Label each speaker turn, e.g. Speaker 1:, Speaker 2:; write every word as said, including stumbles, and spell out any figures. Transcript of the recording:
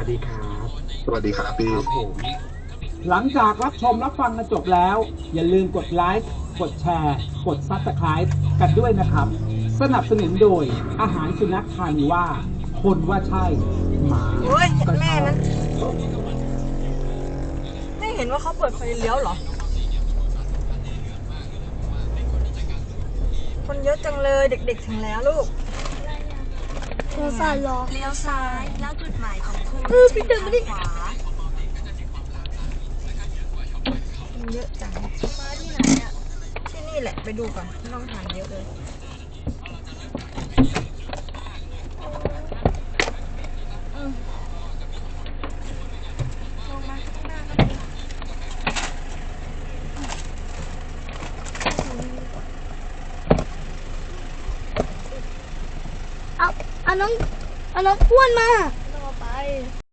Speaker 1: วัสดีครับ
Speaker 2: สวัสดีครับพี่
Speaker 1: ครับผมหลังจากรับชมรับฟังกันจบแล้วอย่าลืมกดไลค์กดแชร์กดซับสไครป์กันด้วยนะครับสนับสนุนโดยอาหารสุนัขทานิว่าคนว่าใช่หมา
Speaker 3: โอ้ย
Speaker 1: ก็
Speaker 3: แม่
Speaker 1: ใช่
Speaker 3: มันไม่เห็นว่าเขาเปิดไฟเลี้ยวเหรอคนเยอะจังเลยเด็กๆถึงแล้วลูก
Speaker 4: โทรศัพท์รอ
Speaker 5: เลี้ยวซ้ายแล้วจุดหมายของคุณ
Speaker 3: เออพี่เดินมาดิ
Speaker 5: ขวา
Speaker 3: คนเยอะจัง
Speaker 5: มาที่ไหนอ่ะ
Speaker 3: ที่นี่แหละไปดูก่อนน้องทานเยอะเลย
Speaker 5: ลงมาข้างหน้าก็
Speaker 4: เอาเอาน้องเอาน้องอ้วนมา